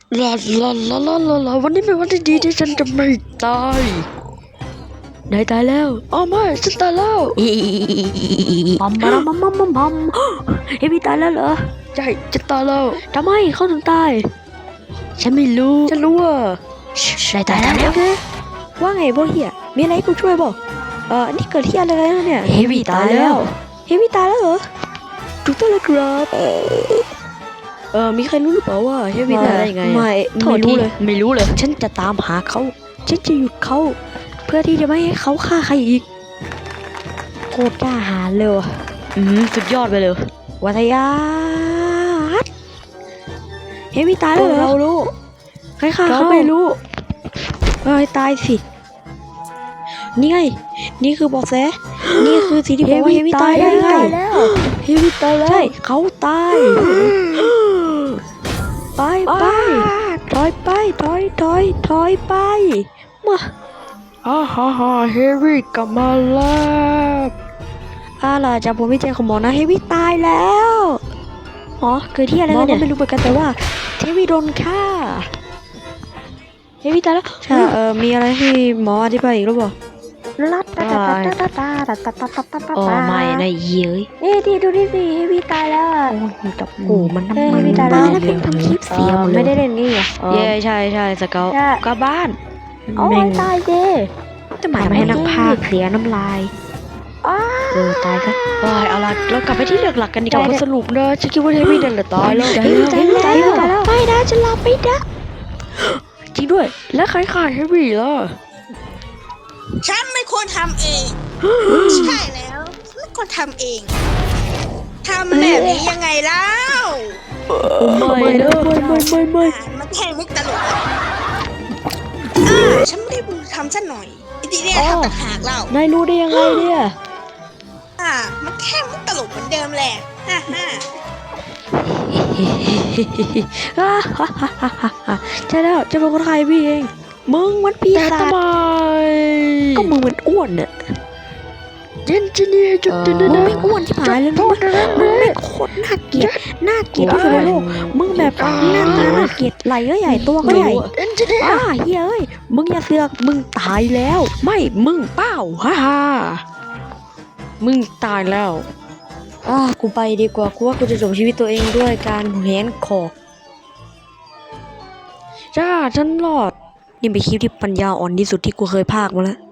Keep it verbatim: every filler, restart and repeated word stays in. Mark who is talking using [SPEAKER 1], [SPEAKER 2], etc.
[SPEAKER 1] ลาลาลาลาลาลาวันนี้เป็นวันที่ดีที่ฉันจะไม่ตายนายตายแล้วอ๋อไม่ฉันตายแล้วมัมมัมมัมมัมมัมมัมเฮวี่ตายแล้วเหรอใช่ฉันตายแล้วทำไมเขาถึงตายฉันไม่รู้ฉันรู้ว่าใช่ตายแล้วโอเคว่าไงพวกเฮียมีอะไรให้กูช่วยบอกเออนี่เกิดที่อะไรแล้วเนี่ยเฮวี่ตายแล้วเฮวี่ตายแล้วเหรอถูกต้องแล้วครับเออมีใครรู้หรือเปล่าว่าเฮวี่ตายได้ยังไงไม่ไม่รู้เลยไม่รู้เลยฉันจะตามหาเขาฉันจะหยุดเขาเพื่อที่จะไม่ให้เขาฆ่าใครอีกโคตรกล้าหาญเลยว่ะอืมสุดยอดไปเลยวัทยาเฮวี่ตายแล้วเหรอเรารู้ใครฆ่าเขาไม่รู้เอ้ยตายสินี่ไงนี่คือบอกแสนี่คือสิ่งที่บอกว่าเฮวี่ตายได้ไงเฮวี่ตายแล้วใช่เขาตายไปไปถอยไปถอยถอยถอยไปมาฮ่าฮ่าฮ่าเฮวี่กลับมาแล้วอ่าล่ะจากผมวิจัยของหมอนะเฮวี่ตายแล้วอ๋อเกิดที่อะไรกันเนี่ยไม่รู้เหมือนกันแต่ว่าเฮวี่โดนฆ่าเฮวี่ตายแล้วใช่เออมีอะไรให้หมออธิบายอีกหรือเปล่าลัดตาตาตาตาตาตาตาตาตาตาตาโอ้ไม่นะเย้ยเอ๊ะที่ดูดิสิเฮวี่ตายแล้วอ่ะโอ้ยจับกูมันน้ำมันตายแล้วเป็นทำคลิปเสียไม่ได้เล่นนี่อ่ะเย้ใช่ใช่สเกลกลับบ้านโอ้ยตายเจ้จะมาให้นักพากเสียน้ำลายเออตายซะโอ้ยเอาล่ะเรากลับไปที่เรื่องหลักกันดีกว่าสรุปนะฉันคิดว่าเฮวี่นั่นแหละตายแล้วตายแล้วตายแล้วไม่นะฉันรับไม่ได้จริงด้วยแล้วใครฆ่าเฮวี่ล่ะ
[SPEAKER 2] ฉันไม่ควรทำเอง ใช่แล้วไม่ควรทำเองทำแบบนี้ยังไงเล่า
[SPEAKER 1] ไม่เลยไม่ไม่ไม่
[SPEAKER 2] มันแค่มุกตลกอ่าฉันไม่ได้บูทำซะหน่อยไอ้ที่เนี่ยทำต่างหากเล่าน
[SPEAKER 1] ายรู้ได้ยังไงเนี่ย
[SPEAKER 2] อ่ามันแค่มุกตลกเหมือนเดิมแหละฮ่าฮ่า
[SPEAKER 1] ใช่แล้วจะเป็นคนไทยพี่เองมึงมันปีศาจก็มึงมันอ้วนเนี่ยเจนจินี่จุดเด่นมึงไม่อ้วนที่ผายเลยมึงมึงไม่โคตรน่าเกลียดน่าเกลียดที่สุดในโลกมึงแบบหน้าตาน่าเกลียดไหล่ก็ใหญ่ตัวก็ใหญ่อ่าเฮ้ยมึงอย่าเสือกมึงตายแล้วไม่มึงเป้าฮ่าฮ่ามึงตายแล้วอ่ากูไปดีกว่ากูว่ากูจะจบชีวิตตัวเองด้วยการแหนคอจ้าฉันรอดนี่เป็นคลิปที่ปัญญาอ่อนที่สุดที่กูเคยพากมาแล้ว